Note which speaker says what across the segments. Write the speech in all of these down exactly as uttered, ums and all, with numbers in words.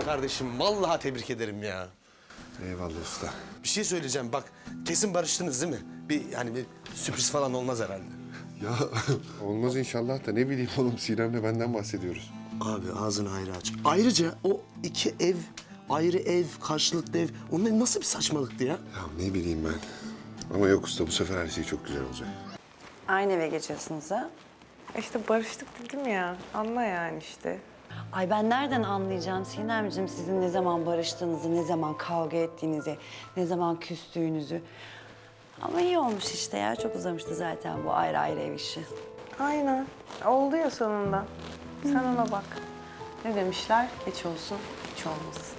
Speaker 1: kardeşim. Vallahi tebrik ederim ya.
Speaker 2: Eyvallah usta.
Speaker 1: Bir şey söyleyeceğim bak. Kesin barıştınız değil mi? Bir yani bir sürpriz falan olmaz herhalde.
Speaker 2: Ya olmaz inşallah da ne bileyim oğlum Sinem'le benden bahsediyoruz.
Speaker 1: Abi ağzını ayrı aç. Ayrıca o iki ev, ayrı ev, karşılıklı ev. Onlar nasıl bir saçmalıktı ya?
Speaker 2: Ya ne bileyim ben. Ama yok usta bu sefer her şey çok güzel olacak.
Speaker 3: Aynı eve geçiyorsunuz ha?
Speaker 4: İşte barıştık dedim ya. Anla yani işte.
Speaker 3: Ay ben nereden anlayacağım Sinemciğim sizin ne zaman barıştığınızı, ne zaman kavga ettiğinizi, ne zaman küstüğünüzü. Ama iyi olmuş işte ya. Çok uzamıştı zaten bu ayrı ayrı ev işi.
Speaker 4: Aynen. Oldu ya sonunda. Sen ona bak. Ne demişler? Geç olsun, hiç olmasın.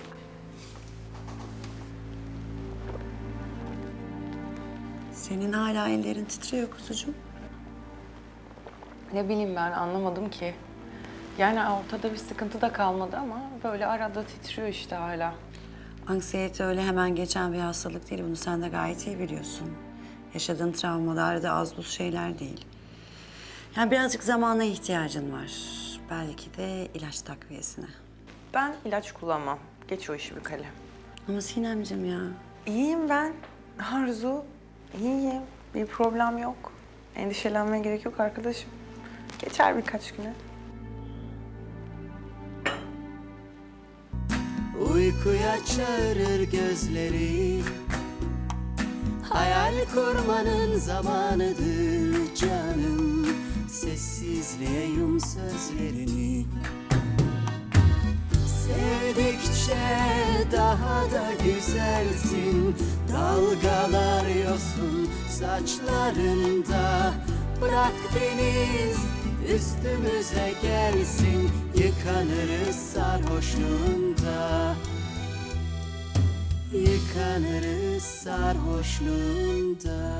Speaker 3: Senin hala ellerin titriyor kuzucuğum.
Speaker 4: Ne bileyim ben anlamadım ki. Yani ortada bir sıkıntı da kalmadı ama böyle arada titriyor işte hala.
Speaker 3: Anksiyete öyle hemen geçen bir hastalık değil. Bunu sen de gayet iyi biliyorsun. Yaşadığın travmalar da az buz şeyler değil. Yani birazcık zamana ihtiyacın var. Belki de ilaç takviyesine.
Speaker 4: Ben ilaç kullanmam. Geç o işi bir kalem.
Speaker 3: Ama Sinemciğim ya.
Speaker 4: İyiyim ben. Arzu, iyiyim. Bir problem yok. Endişelenmeye gerek yok arkadaşım. Geçer birkaç güne.
Speaker 5: Uykuya çağırır gözleri, hayal kurmanın zamanıdır canım. Sessizliğe yum sözlerini, sevdikçe daha da güzelsin. Dalgalar yosun saçlarında, bırak deniz üstümüze gelsin. Yıkanırız sarhoşluğunda, yıkanırız sarhoşluğunda.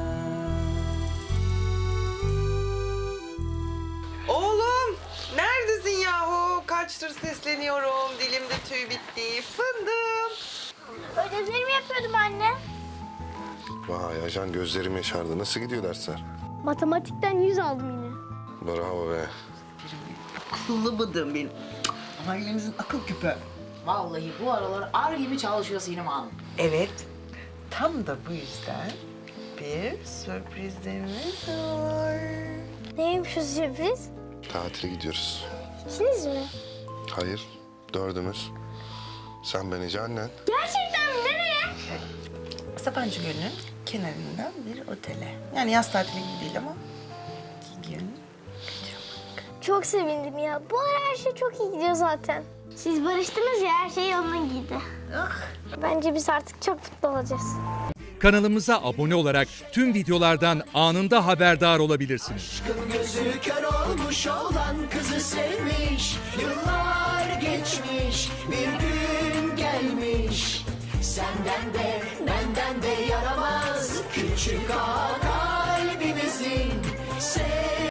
Speaker 4: Oğlum, neredesin yahu? Kaçtır sesleniyorum. Dilimde tüy bitti. Fındım.
Speaker 6: Ödevlerimi yapıyordum anne.
Speaker 2: Vay ajan gözlerim yaşardı. Nasıl gidiyor dersler?
Speaker 6: Matematikten yüz aldım yine.
Speaker 2: Bravo be.
Speaker 7: Akıllı bıdığım benim. Ailemizin akıl küpü.
Speaker 8: Vallahi bu aralar ar gibi çalışıyor Sinem Hanım.
Speaker 7: Evet. Tam da bu yüzden bir sürprizimiz var.
Speaker 6: Neymiş o sürpriz?
Speaker 2: Tatile gidiyoruz.
Speaker 6: İkiniz mi?
Speaker 2: Hayır, dördümüz. Sen, ben, Ece, annen.
Speaker 6: Gerçekten mi? Nereye?
Speaker 7: Sabancı Gölü'nün kenarından bir otele. Yani yaz tatili gibi değil ama iki gün.
Speaker 6: Çok sevindim ya. Bu ara her şey çok iyi gidiyor zaten. Siz barıştınız ya, her şey yoluna girdi. Bence biz artık çok mutlu olacağız.
Speaker 9: Kanalımıza abone olarak tüm videolardan anında haberdar olabilirsiniz.
Speaker 5: Gözü kör olmuş olan kızı sevmiş, yıllar geçmiş, bir gün gelmiş. Senden de benden de yaramaz küçük ağa kalbimizin.